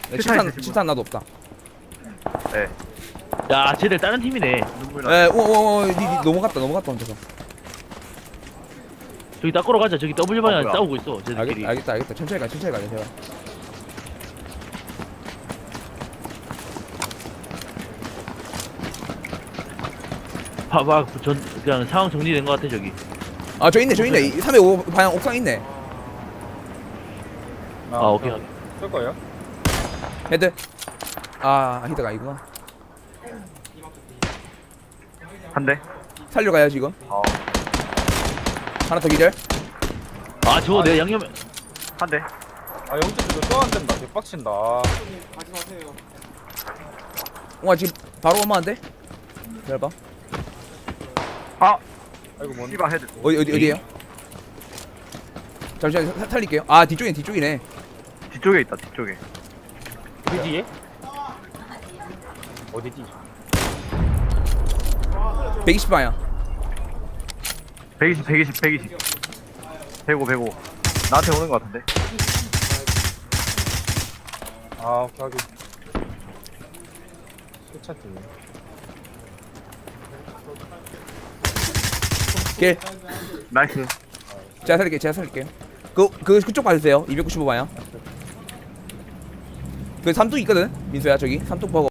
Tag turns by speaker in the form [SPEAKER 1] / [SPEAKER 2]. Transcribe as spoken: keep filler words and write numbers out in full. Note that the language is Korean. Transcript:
[SPEAKER 1] 칠탄 칠탄 나도 없다.
[SPEAKER 2] 네.
[SPEAKER 3] 야 쟤들 다른 팀이네.
[SPEAKER 2] 눈물 나.
[SPEAKER 1] 에, 오오오, 니, 니 넘어갔다, 넘어갔다 혼자서.
[SPEAKER 3] 저기 닦으러 가자. 저기 더블 방향
[SPEAKER 2] 뭐야.
[SPEAKER 3] 싸우고 있어 쟤들끼리.
[SPEAKER 1] 알겠다, 알겠다, 알겠다. 천천히 가, 천천히 가자, 제발.
[SPEAKER 3] 봐봐 전 그냥 상황 정리된 것 같아 저기.
[SPEAKER 1] 아, 저 있네, 저 있네. 삼백오 방향 옥상 있네.
[SPEAKER 3] 아 오케이.
[SPEAKER 4] 쓸 거예요?
[SPEAKER 1] 헤드. 아, 히드가 아니구나.
[SPEAKER 2] 한 대.
[SPEAKER 1] 살려 가야 지금.
[SPEAKER 2] 어.
[SPEAKER 1] 하나 더 기절.
[SPEAKER 3] 아 저거 내가 양념.
[SPEAKER 2] 한 대.
[SPEAKER 4] 아 영주도 또안 된다. 개빡친다.
[SPEAKER 1] 와, 지금 바로 오만한데? 기다려봐.
[SPEAKER 2] 아.
[SPEAKER 4] 아이고 뭔?
[SPEAKER 2] 씨바 헤드.
[SPEAKER 1] 어디, 어디, 어디에요? 잠시만, 사- 살릴게요. 아, 뒤쪽이네, 뒤쪽이네.
[SPEAKER 2] 뒤쪽에 있다. 뒤쪽에.
[SPEAKER 4] 그 뒤에? 어디지?
[SPEAKER 1] 백이십 방향.
[SPEAKER 2] 백이십, 백이십, 백이십. 백오, 백오. 나한테 오는 것 같은데.
[SPEAKER 4] 아 오케이 하기. 수차 팀.
[SPEAKER 1] 길.
[SPEAKER 2] 나이스.
[SPEAKER 1] 제가 살릴게요, 제가 살릴게요. 그, 그, 그쪽 봐주세요. 이백구십오 방향. 그 삼뚝 있거든? 민수야, 저기. 삼뚝 버거.